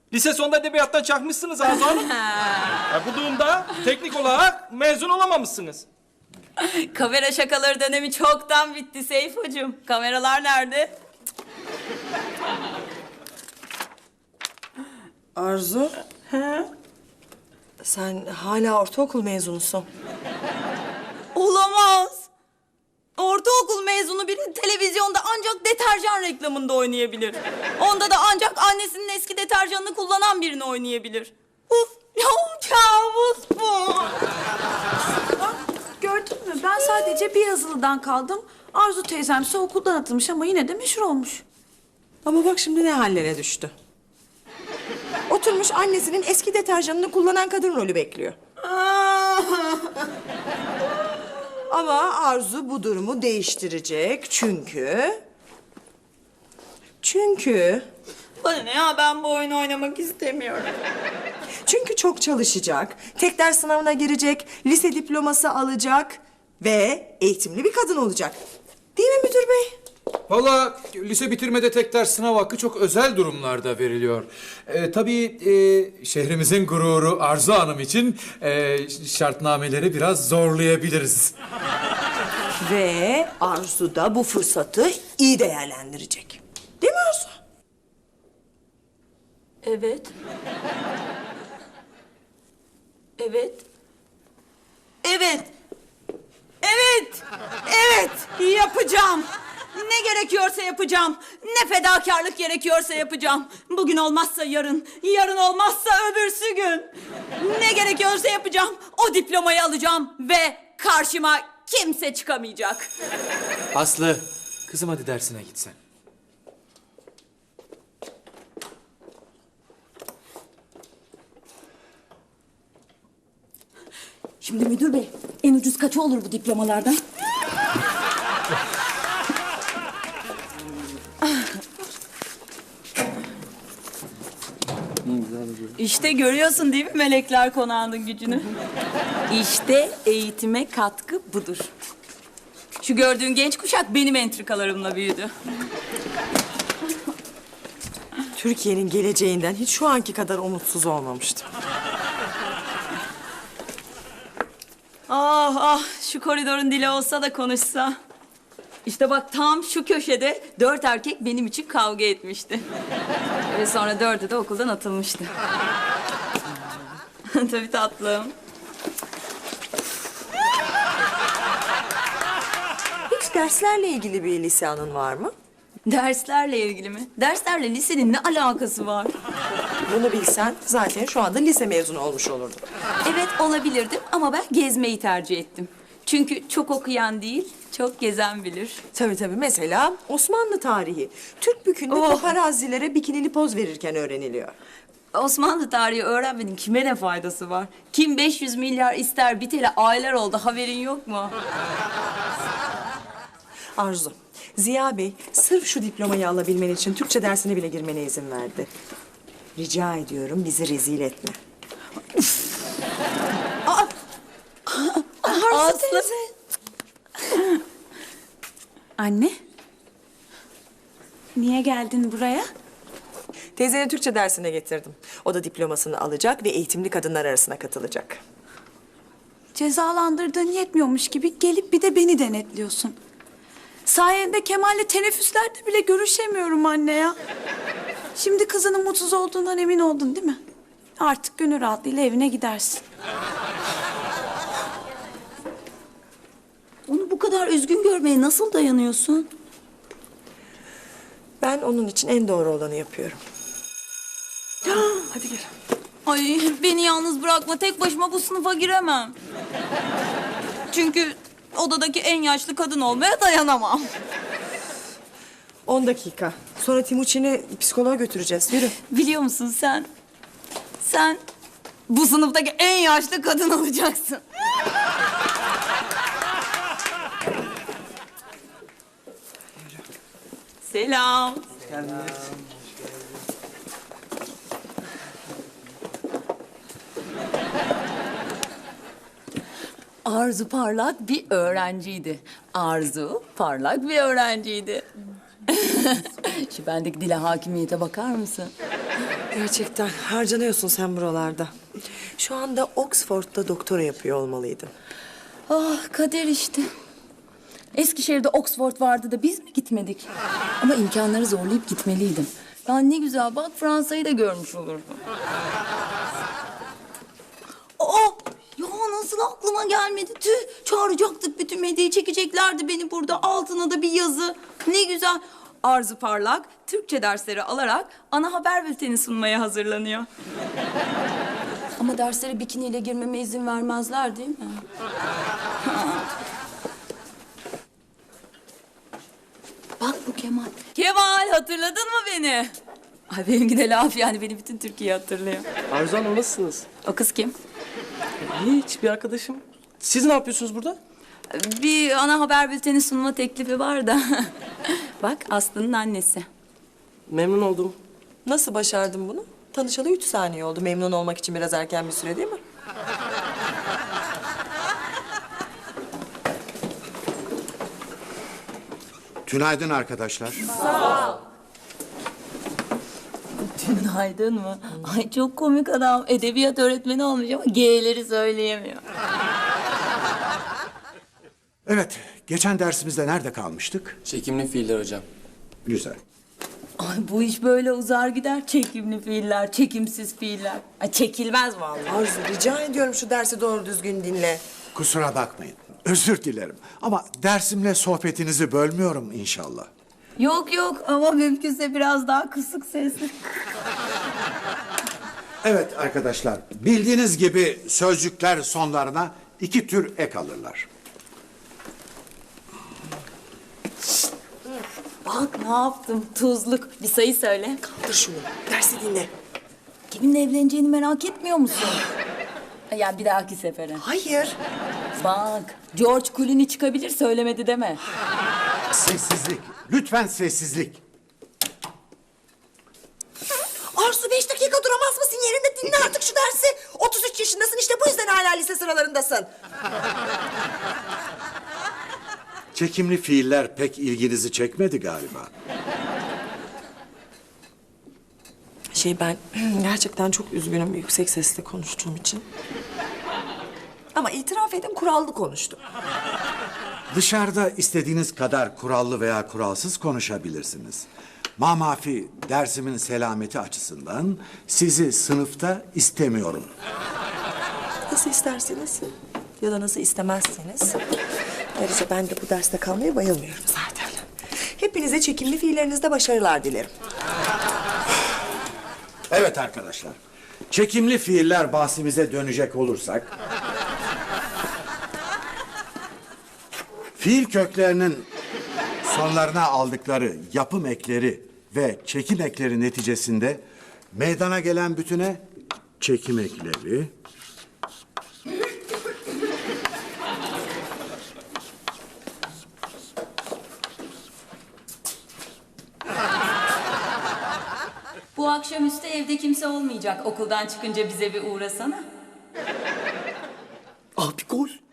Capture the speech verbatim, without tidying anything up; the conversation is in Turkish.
Lise sonunda edebiyattan çakmışsınız Arzu Hanım. Ya bu durumda teknik olarak mezun olamamışsınız. Kamera şakaları dönemi çoktan bitti Seyfocuğum. Kameralar nerede? Arzu. He? Sen hala ortaokul mezunusun. Olamaz. Ortaokul mezunu biri televizyonda ancak deterjan reklamında oynayabilir. Onda da ancak annesinin eski deterjanını kullanan birini oynayabilir. Uf, ya kabus bu. Gördün mü? Ben sadece bir yazılıdan kaldım. Arzu teyzemse okuldan atılmış ama yine de meşhur olmuş. Ama bak şimdi ne hallere düştü. Oturmuş annesinin eski deterjanını kullanan kadın rolü bekliyor. Ama Arzu bu durumu değiştirecek çünkü... Çünkü... Bana ne ya, ben bu oyunu oynamak istemiyorum. Çünkü çok çalışacak, tek ders sınavına girecek, lise diploması alacak ve eğitimli bir kadın olacak. Değil mi müdür bey? Vallahi lise bitirmede tek ders sınav hakkı çok özel durumlarda veriliyor. Ee, tabii e, şehrimizin gururu Arzu Hanım için e, şartnameleri biraz zorlayabiliriz. Ve Arzu da bu fırsatı iyi değerlendirecek. Değil mi Arzu? Evet. Evet. Evet. Evet. Evet. Yapacağım. Ne gerekiyorsa yapacağım. Ne fedakarlık gerekiyorsa yapacağım. Bugün olmazsa yarın, yarın olmazsa öbürsü gün. Ne gerekiyorsa yapacağım. O diplomayı alacağım ve karşıma kimse çıkamayacak. Aslı, kızım hadi dersine gitsen. Şimdi müdür bey, en ucuz kaçı olur bu diplomalardan? İşte görüyorsun değil mi Melekler Konağı'nın gücünü? İşte eğitime katkı budur. Şu gördüğün genç kuşak benim entrikalarımla büyüdü. Türkiye'nin geleceğinden hiç şu anki kadar umutsuz olmamıştım. Ah ah, şu koridorun dili olsa da konuşsa. İşte bak tam şu köşede dört erkek benim için kavga etmişti. Ve sonra dördü de okuldan atılmıştı. Tabii tatlım. Hiç derslerle ilgili bir lise anın var mı? Derslerle ilgili mi? Derslerle lisenin ne alakası var? Bunu bilsen zaten şu anda lise mezunu olmuş olurdun. Evet olabilirdim ama ben gezmeyi tercih ettim. Çünkü çok okuyan değil, çok gezen bilir. Tabii tabii, mesela Osmanlı tarihi. Türk bükünde Oh. paparazilere bikinili poz verirken öğreniliyor. Osmanlı tarihi öğrenmenin kime ne faydası var? Kim beş yüz milyar ister biteli aylar oldu, haberin yok mu? Arzu, Ziya Bey sırf şu diplomayı alabilmen için Türkçe dersine bile girmene izin verdi. Rica ediyorum, bizi rezil etme. Aslı. Anne. Niye geldin buraya? Teyzeni Türkçe dersine getirdim. O da diplomasını alacak ve eğitimli kadınlar arasına katılacak. Cezalandırdığın yetmiyormuş gibi gelip bir de beni denetliyorsun. Sayende Kemal'le teneffüslerde bile görüşemiyorum anne ya. Şimdi kızının mutsuz olduğundan emin oldun değil mi? Artık gönül rahatlığıyla evine gidersin. Onu bu kadar üzgün görmeye nasıl dayanıyorsun? Ben onun için en doğru olanı yapıyorum. Hadi gel. Ay beni yalnız bırakma, tek başıma bu sınıfa giremem. Çünkü odadaki en yaşlı kadın olmaya dayanamam. On dakika. Sonra Timuçin'i psikoloğa götüreceğiz. Yürü. Biliyor musun sen? Sen bu sınıftaki en yaşlı kadın olacaksın. Selam. Arzu parlak bir öğrenciydi. Arzu parlak bir öğrenciydi. Şu bendeki dile hakimiyete bakar mısın? Gerçekten harcanıyorsun sen buralarda. Şu anda Oxford'da doktora yapıyor olmalıydın. Ah kader işte. Eskişehir'de Oxford vardı da biz mi gitmedik? Ama imkanları zorlayıp gitmeliydim. Ya ne güzel bak Fransa'yı da görmüş olurdum. Aa, ya nasıl aklıma gelmedi? Tüh, çağıracaktık bütün medyayı, çekeceklerdi beni burada. Altına da bir yazı. Ne güzel. Arzu Parlak, Türkçe dersleri alarak ana haber bülteni sunmaya hazırlanıyor. Ama derslere bikiniyle girmeme izin vermezler değil mi? Bak bu Kemal. Kemal hatırladın mı beni? Ay benimki de laf yani beni bütün Türkiye hatırlıyor. Arzu Hanım nasılsınız? O kız kim? Hiç bir arkadaşım. Siz ne yapıyorsunuz burada? Bir ana haber bülteni sunma teklifi var da. Bak Aslı'nın annesi. Memnun oldum. Nasıl başardın bunu? Tanışalı üç saniye oldu. Memnun olmak için biraz erken bir süre değil mi? Günaydın arkadaşlar. Günaydın mı? Ay çok komik adam. Edebiyat öğretmeni olmuş ama G'leri söyleyemiyor. Evet, geçen dersimizde nerede kalmıştık? Çekimli fiiller hocam. Güzel. Ay bu iş böyle uzar gider. Çekimli fiiller, çekimsiz fiiller. Ay çekilmez vallahi. Arzu rica ediyorum şu dersi doğru düzgün dinle. Kusura bakmayın. Özür dilerim. Ama dersimle sohbetinizi bölmüyorum inşallah. Yok yok ama mümkünse biraz daha kısık sesli. Evet arkadaşlar, bildiğiniz gibi sözcükler sonlarına iki tür ek alırlar. Bak ne yaptım tuzluk. Bir sayı söyle. Dur şunu. Dersi dinle. Kiminle evleneceğini merak etmiyor musun? Ya bir dahaki sefere. Hayır. Bak George Clooney çıkabilir söylemedi deme. Sessizlik. Lütfen sessizlik. Arzu beş dakika duramaz mısın yerinde? Dinle artık şu dersi. otuz üç yaşındasın işte bu yüzden hala lise sıralarındasın. Çekimli fiiller pek ilginizi çekmedi galiba. Şey ben gerçekten çok üzgünüm yüksek sesle konuştuğum için. Ama itiraf edin kurallı konuştum. Dışarıda istediğiniz kadar kurallı veya kuralsız konuşabilirsiniz. Mamafi dersimin selameti açısından sizi sınıfta istemiyorum. Nasıl isterseniz ya da nasıl istemezseniz. Ayrıca ben de bu derste kalmaya bayılmıyorum zaten. Hepinize çekimli fiillerinizde başarılar dilerim. Evet arkadaşlar, çekimli fiiller bahsimize dönecek olursak... fiil köklerinin sonlarına aldıkları yapım ekleri ve çekim ekleri neticesinde meydana gelen bütüne çekim ekleri... Bu akşamüstü evde kimse olmayacak. Okuldan çıkınca bize bir uğrasana. Ah bir gol.